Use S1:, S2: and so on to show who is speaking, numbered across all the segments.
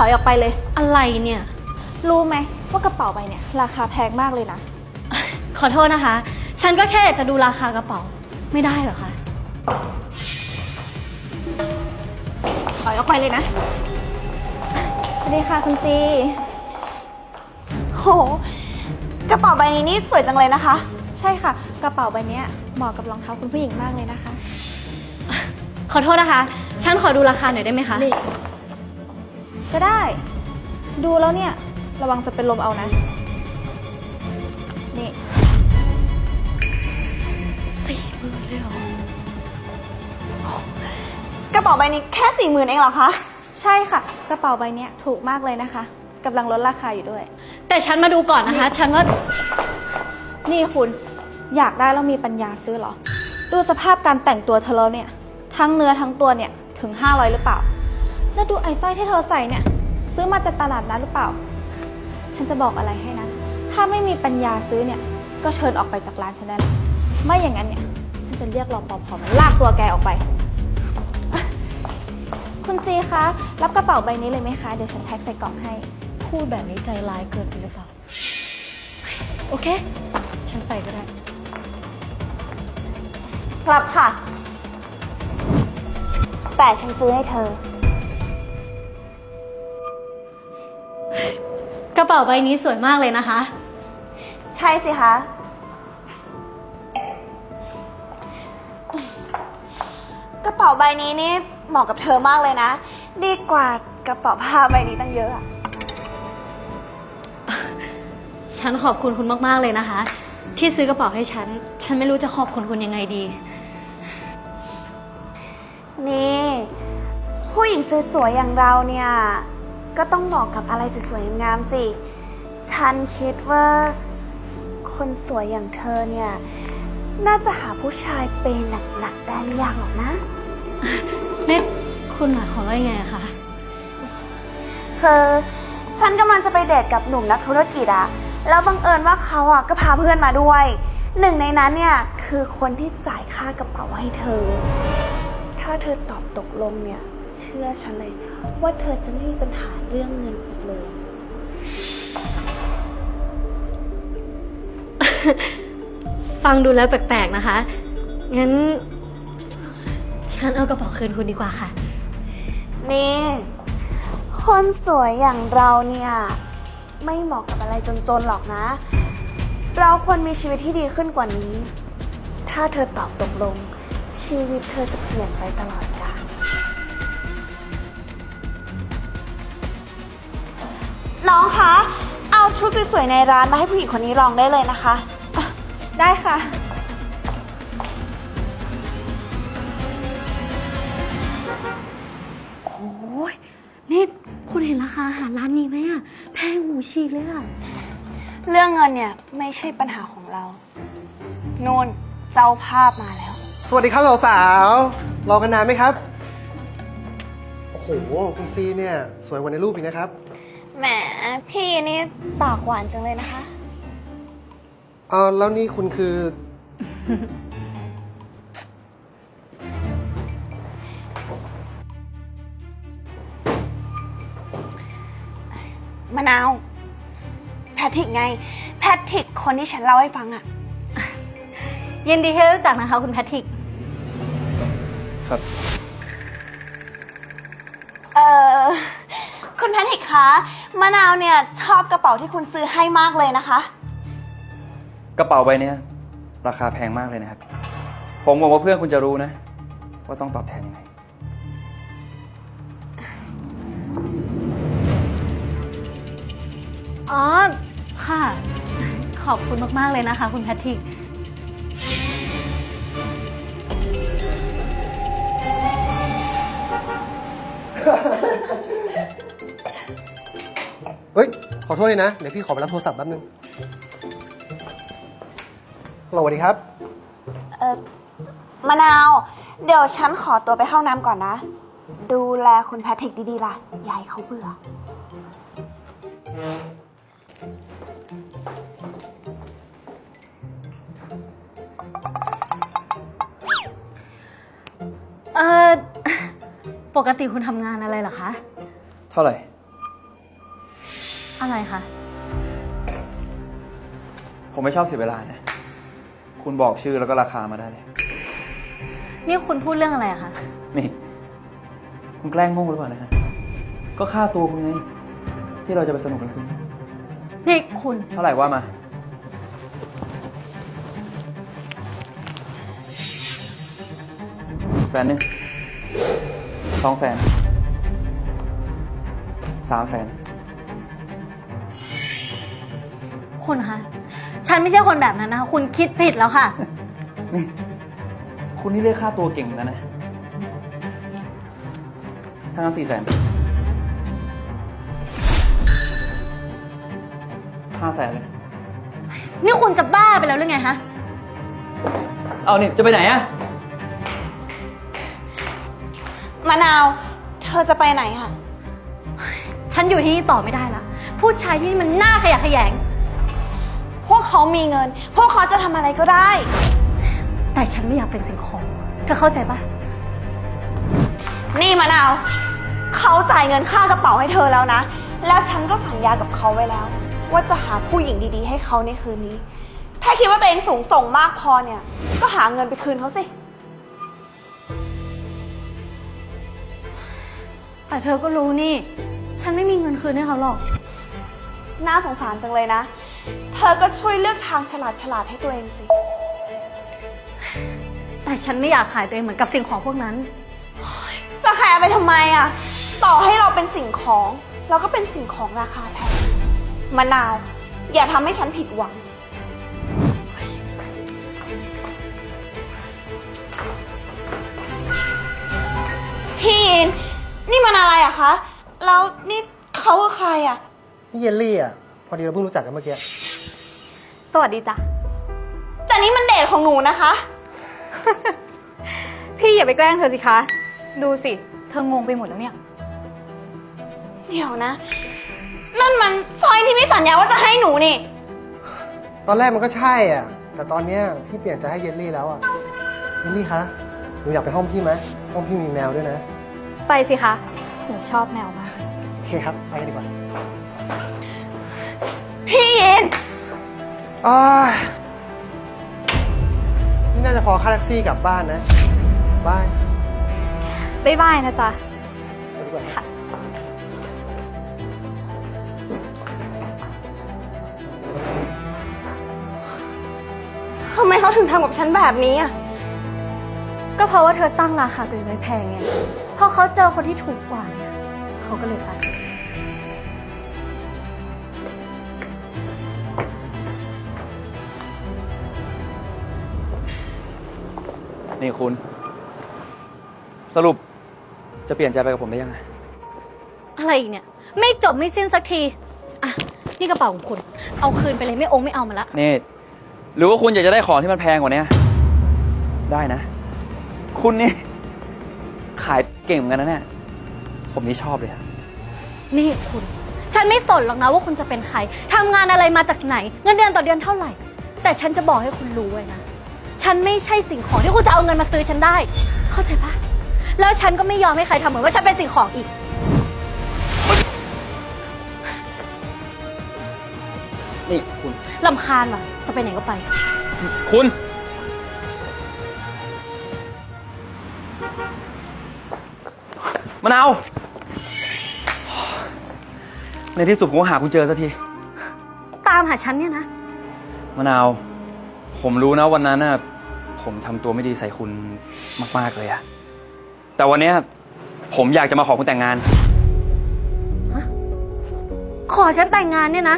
S1: อยออกไปเลย
S2: อะไรเนี่ย
S1: รู้ไหมว่ากระเป๋าใบเนี่ยราคาแพงมากเลยนะ
S2: ขอโทษนะคะ ฉันก็แค่อยากจะดูราคากระเป๋า ไม่ได้เหรอคะ
S1: ถอยออกไปเลยนะ สวัสดีค่ะคุณซีโหกระเป๋าใบนี้นี่สวยจังเลยนะคะ ใช่ค่ะ กระเป๋าใบนี้เหมาะกับรองเท้าคุณผู้หญิงมากเลยนะคะ
S2: ขอโทษนะคะ ฉันขอดูราคาหน่อยได้ไหมคะ
S1: นี่ก็ได้ ดูแล้วเนี่ยระวังจะเป็นลมเอานะ นี่
S2: 40,000เลยเหรอ
S1: กระเป๋าใบนี้แค่40,000เองเหรอคะ ใช่ค่ะ กระเป๋าใบนี้ถูกมากเลยนะคะกำลังลดราคาอยู่ด้วย
S2: แต่ฉันมาดูก่อนนะคะ ฉันว่า
S1: นี่คุณอยากได้แล้วมีปัญญาซื้อเหรอ ดูสภาพการแต่งตัวเธอแล้วเนี่ย ทั้งเนื้อทั้งตัวเนี่ยถึง500หรือเปล่า แล้วดูไอ้สร้อยที่เธอใส่เนี่ยซื้อมาจากตลาดนัดหรือเปล่า ฉันจะบอกอะไรให้นะ ถ้าไม่มีปัญญาซื้อเนี่ยก็เชิญออกไปจากร้านฉันได้แล้วไม่อย่างนั้นเนี่ยฉันจะเรียกรปภมาลากตัวแกออกไปอ่ะคุณซีคะรับกระเป๋าใบนี้เลยไหมคะเดี๋ยวฉันแพ็คใส่กล่องให้
S2: พูดแบบนี้ใจร้ายเกินไปหรือเปล่า โอเค ฉันไปก็ได้
S1: รับค่ะ แต่ฉันซื้อให้เธอ
S2: กระเป๋าใบนี้สวยมากเลยนะคะ
S1: ใช่สิคะ กระเป๋าใบนี้นี่เหมาะกับเธอมากเลยนะ ดีกว่ากระเป๋าผ้าใบนี้ตั้งเยอะอะ
S2: ฉันขอบคุณคุณมากๆเลยนะคะ ที่ซื้อกระเป๋าให้ฉัน ฉันไม่รู้จะขอบคุณคุณยังไงดี
S1: นี่ ผู้หญิงสวยๆอย่างเราเนี่ย ก็ต้องเหมาะกับอะไรสวยๆงามๆสิ ฉันคิดว่า คนสวยอย่างเธอเนี่ย น่าจะหาผู้ชายเปย์หนักๆได้ไม่ยากหรอกนะ
S2: นี่คุณหมายความว่ายังไงอะคะ
S1: คือฉันกำลังจะไปเดทกับหนุ่มนักธุรกิจอะแล้วบังเอิญว่าเขาอะก็พาเพื่อนมาด้วย หนึ่งในนั้นเนี่ยคือคนที่จ่ายค่ากระเป๋าให้เธอ ถ้าเธอตอบตกลงเนี่ย เชื่อฉันเลยว่าเธอจะไม่มีปัญหาเรื่องเงินอีกเลย
S2: ฟังดูแล้วแปลกๆนะคะ งั้น ฉันเอากระเป๋าคืนคุณดีกว่าค่ะ
S1: นี่ คนสวยอย่างเราเนี่ย ไม่เหมาะกับอะไรจนๆหรอกนะ เราควรมีชีวิตที่ดีขึ้นกว่านี้ ถ้าเธอตอบตกลง ชีวิตเธอจะเปลี่ยนไปตลอดกาลน้องคะ เอาชุดสวยๆในร้านมาให้ผู้หญิงคนนี้ลองได้เลยนะคะอ่ะได้ค่ะ
S2: โอ้ยนี่คุณเห็นราคาอาหารร้านนี้ไหมอะแพงหูฉีกเลยอะ
S1: เรื่องเงินเนี่ยไม่ใช่ปัญหาของเรานูนเจ้าภาพมาแล้ว
S3: สวัสดีครับสาวๆ รอกันนานไหมครับ โอ้โห คุณซีเนี่ยสวยกว่าในรูปอีกนะครับ
S1: แหมพี่นี่ปากหวานจังเลยนะคะ
S3: แล้วนี่คุณคือ
S1: มะนาว แพทริกไง แพทริกคนที่ฉันเล่าให้ฟังอะ
S2: ยินดีที่ได้รู้จักนะคะคุณแพทริก
S4: ครับ
S1: คุณแพทริกคะมะนาวเนี่ยชอบกระเป๋าที่คุณซื้อให้มากเลยนะคะ
S4: กระเป๋าใบเนี้ยราคาแพงมากเลยนะครับ ผมหวังว่าเพื่อนคุณจะรู้นะ ว่าต้องตอบแทนยังไง
S2: อ๋อ ค่ะ ขอบคุณมากๆเลยนะคะคุณแพทริก
S3: เฮ้ย ขอโทษเลยนะ เดี๋ยวพี่ขอไปรับโทรศัพท์แป๊บนึงฮัลโหลสวัสดีครับ
S1: มะนาว เดี๋ยวฉันขอตัวไปเข้าน้ำก่อนนะ ดูแลคุณแพทริกดีๆล่ะยายเขาเบื่อ
S2: ปกติคุณทำงานอะไรเหรอคะ
S4: เท่าไหร่
S2: อะไรคะ
S4: ผมไม่ชอบเสียเวลานะ คุณบอกชื่อแล้วก็ราคามาได้เลย
S2: นี่คุณพูดเรื่องอะไรอะคะ
S4: นี่ คุณแกล้งโง่หรือเปล่านะฮะ ก็ค่าตัวคุณไง ที่เราจะไปสนุกกันคืนนี้
S2: นี่คุณ
S4: เท่าไหร่ว่ามา 100,000 200,000 300,000
S2: คุณคะ ฉันไม่ใช่คนแบบนั้นนะคะ คุณคิดผิดแล้วค่ะ
S4: นี่ คุณนี่เรียกค่าตัวเก่งเหมือนกันนะถ้างั้น400,000 500,000 เลย
S2: นี่คุณจะบ้าไปแล้วหรือไงฮะ
S4: เอานี่ จะไปไหนอะ
S5: มะนาว เธอจะไปไหนคะ
S2: ฉันอยู่ที่นี่ต่อไม่ได้ละผู้ชายที่นี่มันน่าขยะแขยง
S5: พวกเขามีเงิน พวกเขาจะทำอะไรก็ได้
S2: แต่ฉันไม่อยากเป็นสิ่งของ เธอเข้าใจปะ
S5: นี่มะนาว เขาจ่ายเงินค่ากระเป๋าให้เธอแล้วนะ แล้วฉันก็สัญญากับเขาไว้แล้ว ว่าจะหาผู้หญิงดีๆ ให้เขาในคืนนี้ ถ้าคิดว่าตัวเองสูงส่งมากพอเนี่ย ก็หาเงินไปคืนเขาสิ
S2: แต่เธอก็รู้นี่ ฉันไม่มีเงินคืนให้เขาหรอก
S5: น่าสงสารจังเลยนะ เธอก็ช่วยเลือกทางฉลาดๆให้ตัวเองสิ
S2: แต่ฉันไม่อยากขายตัวเองเหมือนกับสิ่งของพวกนั้น
S5: จะขายไปทำไมอะต่อให้เราเป็นสิ่งของ เราก็เป็นสิ่งของราคาแพงมะนาว อย่าทำให้ฉันผิดหวัง พี่อิน นี่มันอะไรอะคะ แล้วนี่เขาคือใครอะ
S3: นี่เยลลี่อ่ะ พอดีเราเพิ่งรู้จักกันเมื่อกี้
S1: สวัสดีจ้ะ
S5: แต่นี่มันเดทของหนูนะคะ
S1: พี่อย่าไปแกล้งเธอสิคะ ดูสิ เธองงไปหมดแล้วเนี่ย
S5: เดี๋ยวนะ นั่นมันสร้อยที่พี่สัญญาว่าจะให้หนูนี่
S3: ตอนแรกมันก็ใช่อ่ะ แต่ตอนเนี้ยพี่เปลี่ยนใจให้เยลลี่แล้วอ่ะ เยลลี่คะ หนูอยากไปห้องพี่ไหมห้องพี่มีแมวด้วยนะ
S1: ไปสิคะ หนูชอบแมวมาก
S3: โอเคครับ ไปกันดีกว่า
S5: พี่อิน
S3: อ้ายนี่น่าจะพอค่าแท็กซี่กลับบ้านนะบาย
S1: บ๊ายบายนะจ๊ะ
S3: ไปดีกว่า
S5: ทำไมเขาถึงทำกับฉันแบบนี้อะ
S2: ก็เพราะว่าเธอตั้งราคาตัวเองไว้แพงไงพอเขาเจอคนที่ถูกกว่าเนี่ย เขาก็เลยไป
S4: นี่คุณ สรุปจะเปลี่ยนใจไปกับผมได้ยังไง
S2: อะไรอีกเนี่ย ไม่จบไม่สิ้นสักที อ่ะ นี่กระเป๋าของคุณ เอาคืนไปเลยไม่องค์ไม่เอามาละ
S4: นี่ หรือว่าคุณอยากจะได้ของที่มันแพงกว่านี้ได้นะ คุณนี่ ขายเก่งเหมือนกันนะเนี่ย ผมนี่ชอบเลยอะ
S2: นี่คุณ ฉันไม่สนหรอกนะว่าคุณจะเป็นใครทำงานอะไรมาจากไหน เงินเดือนต่อเดือนเท่าไหร่ แต่ฉันจะบอกให้คุณรู้ไว้นะ ฉันไม่ใช่สิ่งของที่คุณจะเอาเงินมาซื้อฉันได้ เข้าใจปะแล้วฉันก็ไม่ยอมให้ใครทำเหมือนว่าฉันเป็นสิ่งของอีก
S4: นี่คุณ
S2: ลำคาญว่ะ จะไปไหนก็ไป
S4: คุณ มะนาว ในที่สุดผมก็หาคุณเจอสักที
S2: ตามหาฉันเนี่ยนะ
S4: มะนาว ผมรู้นะวันนั้นน่ะ ผมทำตัวไม่ดีใส่คุณมากๆเลยอะแต่วันเนี้ยผมอยากจะมาขอคุณแต่งงาน
S2: ขอฉันแต่งงานเนี่ยนะ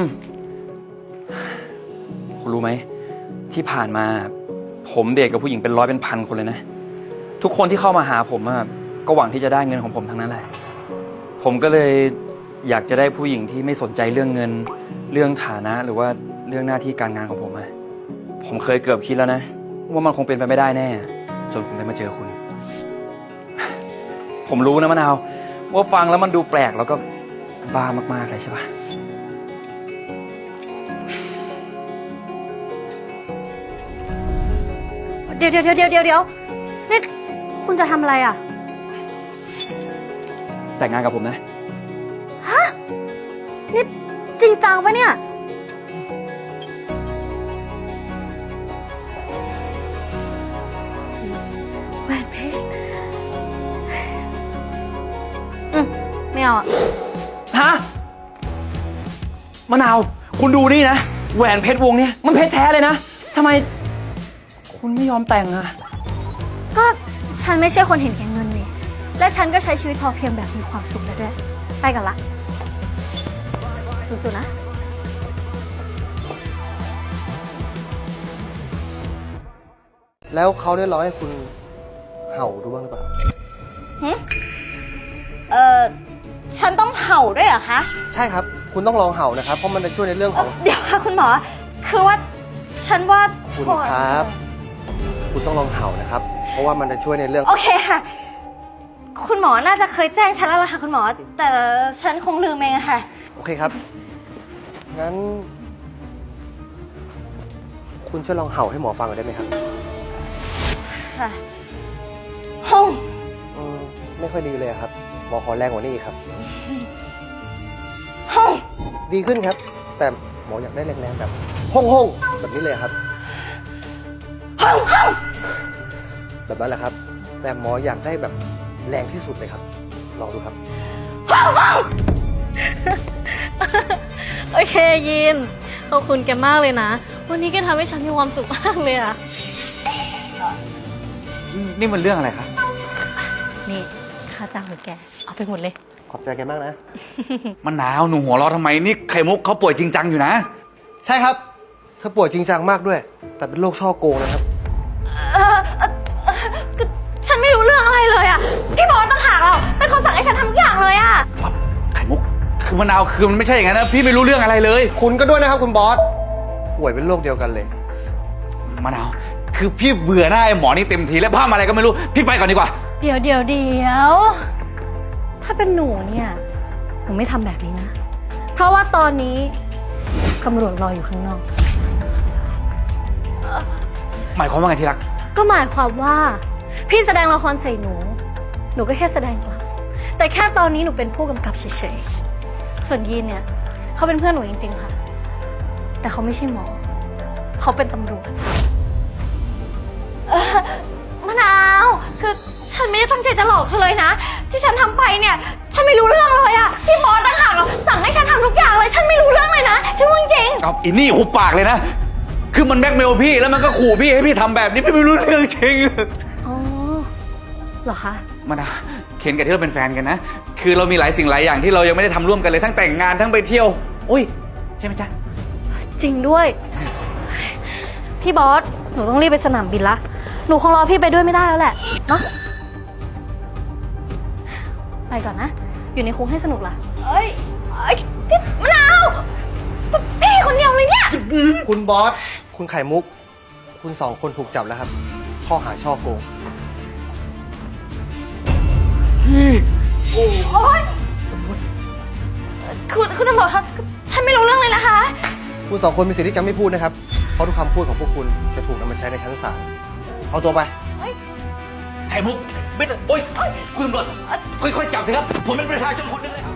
S4: คุณรู้ไหม ที่ผ่านมา ผมเดทกับผู้หญิงเป็นร้อยเป็นพันคนเลยนะ ทุกคนที่เข้ามาหาผมอะก็หวังที่จะได้เงินของผมทั้งนั้นแหละ ผมก็เลยอยากจะได้ผู้หญิงที่ไม่สนใจเรื่องเงิน เรื่องฐานะหรือว่าเรื่องหน้าที่การงานของผมอะผมเคยเกือบคิดแล้วนะ ว่ามันคงเป็นไปไม่ได้แน่ จนผมได้มาเจอคุณ ผมรู้นะมะนาว ว่าฟังแล้วมันดูแปลกแล้วก็บ้ามากๆเลยใช่ปะ
S2: เดี๋ยวนี่คุณจะทำอะไรอ่ะ
S4: แต่งงานกับผมนะ
S2: นี่จริงจังปะเนี่ย แหวนเพชรไม่เอาอะ
S4: ฮะ มะนาว คุณดูนี่นะ แหวนเพชรวงเนี้ยมันเพชรแท้เลยนะทำไม คุณไม่ยอมแต่งอะ
S2: ก็ฉันไม่ใช่คนเห็นแก่เงินนี่ และฉันก็ใช้ชีวิตพอเพียงแบบมีความสุขแล้วด้วย ไปกันละ สู้ๆนะ
S3: แล้วเขาได้ร้องให้คุณเห่าดูบ้างหรือเปล่า
S5: ฉันต้องเห่าด้วยเหรอคะ
S3: ใช่ครับ คุณต้องลองเห่านะครับ เพราะมันจะช่วยในเรื่องของ
S5: เดี๋ยวค่ะคุณหมอ คือว่าฉันว่า
S3: คุณครับ คุณต้องลองเห่านะครับ เพราะว่ามันจะช่วยในเรื่อง
S5: โอเคค่ะ คุณหมอน่าจะเคยแจ้งฉันแล้วล่ะค่ะคุณหมอ แต่ฉันคงลืมเองอะค่ะ
S3: โอเคครับ งั้น คุณช่วยลองเห่าให้หมอฟังหน่อยได้ไหมครับ
S5: ค่ะห้อง
S3: ไม่ค่อยดีเลยครับ หมอขอแรงกว่านี้อีกครับ
S5: ห้อง
S3: ดีขึ้นครับ แต่หมออยากได้แรงๆแบบห้องๆแบบนี้เลยครับ
S5: ห้องห้อง
S3: แบบนั้นแหละครับ แต่หมออยากได้แบบแรงที่สุดเลยครับ ลองดูครับ
S2: โอเคยิน ขอบคุณแกมากเลยนะ วันนี้แกทำให้ฉันมีความสุขมากเลยอะ
S4: นี่มันเรื่องอะไรคะ
S2: นี่ค่าจ้างของแก เอาไปหมดเลย
S3: ขอบใจแกมากนะ
S6: มะนาวหนูหัวเราะทำไมนี่ไข่มุกเขาป่วยจริงจังอยู่นะ
S3: ใช่ครับ เธอป่วยจริงจังมากด้วย แต่เป็นโรคช่อโกงนะครับ
S5: ฉันไม่รู้เรื่องอะไรเลยอะพี่บอสต่างหากเราเป็นคนสั่งให้ฉันทำทุกอย่างเลยอะ
S6: ไข่มุกคือมะนาวคือมันไม่ใช่อย่างนั้นนะพี่ไม่รู้เรื่องอะไรเลย
S3: คุณก็ด้วยนะครับคุณบอส ป่วยเป็นโรคเดียวกันเลย
S6: มะนาวคือพี่เบื่อหน้าไอ้หมอนี่เต็มทีแล้วพามาอะไรก็ไม่รู้พี่ไปก่อนดีกว่า
S2: เดี๋ยวถ้าเป็นหนูเนี่ยหนูไม่ทำแบบนี้นะ เพราะว่าตอนนี้ตำรวจรออยู่ข้างนอก
S6: หมายความว่าไงที่รัก
S2: ก็หมายความว่า พี่แสดงละครใส่หนู หนูก็แค่แสดงกลับ แต่แค่ตอนนี้หนูเป็นผู้กำกับเฉยๆ ส่วนยีนเนี่ยเขาเป็นเพื่อนหนูจริงๆค่ะ แต่เขาไม่ใช่หมอ เขาเป็นตำรวจ
S5: มะนาว คือฉันไม่ได้ตั้งใจจะหลอกเธอเลยนะ ที่ฉันทำไปเนี่ย ฉันไม่รู้เรื่องเลยอะพี่บอสต่างหากเราสั่งให้ฉันทำทุกอย่างเลย ฉันไม่รู้เรื่องเลยนะฉันพูดจริง
S6: เอาอินี่หุบปากเลยนะ คือมันแบล็กเมลพี่แล้วมันก็ขู่พี่ให้พี่ทำแบบนี้พี่ไม่รู้เรื่องจริง
S2: อ๋อ เหรอคะ
S6: มะนาวเคนกับที่เราเป็นแฟนกันนะ คือเรามีหลายสิ่งหลายอย่างที่เรายังไม่ได้ทำร่วมกันเลยทั้งแต่งงานทั้งไปเที่ยวอุ้ยใช่ไหมจ๊ะ
S2: จริงด้วย พี่บอส หนูต้องรีบไปสนามบินละ หนูคงรอพี่ไปด้วยไม่ได้แล้วแหละ เนาะ ไปก่อนนะ อยู่ในคุกให้สนุกล่ะ
S5: ๆเอ้ยที่มะนาวพี่คนเดียวเลยเนี่ย
S3: คุณบอส คุณไข่มุก คุณสองคนถูกจับแล้วครับ ข้อหาช่อโกง
S5: โอ๊ยคุณตำรวจคะฉันไม่รู้เรื่องเลยนะคะ
S3: คุณสองคนมีสิทธิ์ที่จะไม่พูดนะครับ เพราะทุกคำพูดของพวกคุณจะถูกนำมาใช้ในชั้นศาล เอาตัวไป
S6: ไข่มุกไม่ต้องโอ๊ยคุณตำรวจค่อยๆจับสิครับผมเป็นประชาชนคนหนึงเลยครับ